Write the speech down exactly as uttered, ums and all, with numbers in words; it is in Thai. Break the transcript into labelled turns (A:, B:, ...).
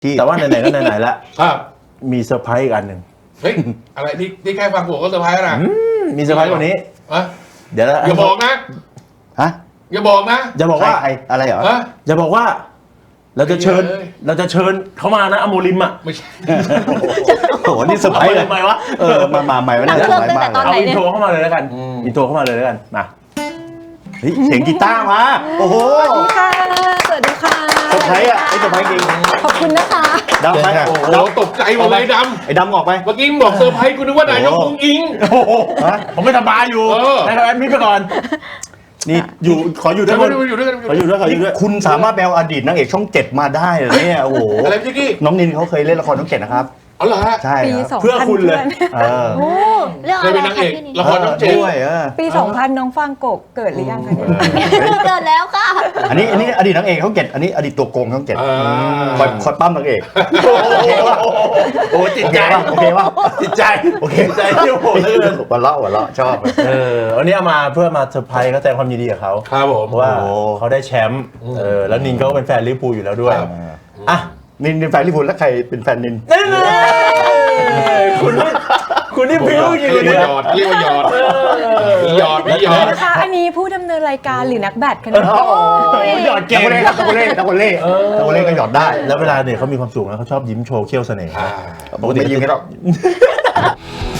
A: ที่
B: แต่ว่าไหนๆก็ไหนๆละ
C: ครับ
B: มีเซอร์ไพรส์อีกอันหนึ่ง
C: เฮ้ยอะไรนี่นี่แค่ฟังผมก็เซอร์ไพรส์แล้วนะ
B: มีเซอร์ไพรส์กว่านี้
C: อะ
B: เดี๋ยวนะ
C: อย่าบอกนะ
A: ฮะ
C: อย่าบอกนะ
B: จะบอกว่า
A: ใครๆอะไรเหรอ
C: ฮะ
B: จะบอกว่า เราจะเชิญ
C: เอ้ย
B: เราจะเชิญเขามานะอโมริมอ่ะ
C: ไม่ใช่
A: โอ้โหนี่เซอร์ไพรส์เลย
B: ทำไมวะ
A: เออมามาใหม่ไม่ได้เซอร์ไพรส์มากเลย
B: เอาอินโทรเข้ามาเลยแล้วกันอินโทรเข้ามาเลยแล้วกันมา
A: เฮ้ยเสียงกีตาร์มาโอ้โห
D: สวัสดีค่ะ สวัสดีค่ะ
A: เซอร์ไพรส์อ่ะไอ้เซอร์ไพรส์จริง
D: ขอบคุณนะคะ
A: ดำไป
C: โอ้
A: โอ้
C: โห
A: โห
C: ตกใจหมดเลยด
A: ไอ้ดำออกไป
C: ำเมื่อกี้มึงบอกเซอร์ไพรส์กูนึกว่านายกอุ้งอิง
B: โอ้โหผมไม่สบายอยู่
C: เออ
B: นะครับแอดมิดไปก่อน
A: นี่
B: อยู่ขออยู่ด้วย
C: เดี๋ยว
B: คน
C: มาอยู่ด้วยกัน
B: ขออยู่ด้วยขออยู่ด้วย
A: คุณสามารถแปลอดีตนางเอกช่องเจ็ดมาได้เหรอเนี่ยโอ้โห
C: อะไรพี่กี้
A: น้องนินเขาเคยเล่นละครช่องเจ็ดนะครับ
C: เอาเหรอฮะ
A: ใช่
D: ปี
A: ครับ
D: สอง
B: เพื่อ
D: พัน
B: คุณเลย
A: เออ
D: โอ้
E: เรื่อง
C: เค
E: อะ
C: ย
E: ไร
C: เป็นนางเอก
E: คะพี่นิด
C: ละครน้องเจน
A: ด้วยเออ
D: ปีสองพันน้องฟางกบเกิดหรือยังคะเนี่ย
E: เกิดแล้วค่ะ
A: อันนี้อันนี้อดีตนางเอกช่องเจ็ดอันนี้อดีตตัวโกงช่องเจ็ด
C: อ่า
A: คอยคอยปั้มนางเอก
B: โอ้โหโอ้โหจิต
A: โอเค
B: ใจ
A: ป่ะโอเคป่ะ
B: จิตใจ
A: โอเค
B: จิตใจที่โหดเหลือเกิน
A: หัวเราะหัวเราะชอบ
B: เออวันนี้เอามาเพื่อมาเซอร์ไพรส์เขาแสดงความยินดีกับเขา
C: ครับผม
B: เพราะว่า
A: โอ้โห
B: เขาได้แชมป์เออแล้วนินเขาก็เป็นแฟนลิเวอร์พูลอยู่แล้วด้วย
C: ครับ
B: อ่ะ
A: นินเป็นแฟนลิเวอร์พูลแล้วใครเป็นแฟนนิน
B: นี่เลยคุณนี่คุณนี่พิ้วจริง
C: เรียก
B: เลย
C: ว่าหยอดเรียกว่าหยอดมีหยอดมีหยอด
D: นะคะอันนี้ผู้ดำเนินรายการหรือนักแบดคะเนี่ย
B: หยอดเก่
A: ตะ
B: ง
A: โกเล่ตะโกเล่ตะโกเล่ตะโกเล่ก็หยอดได้
B: แล้วเวลาเนี่ยเขามีความสุขนะเขาชอบยิ้มโชว์เขี้ยวเสน่ห์
C: อ่า
A: ปกติยิ้มกันหรอก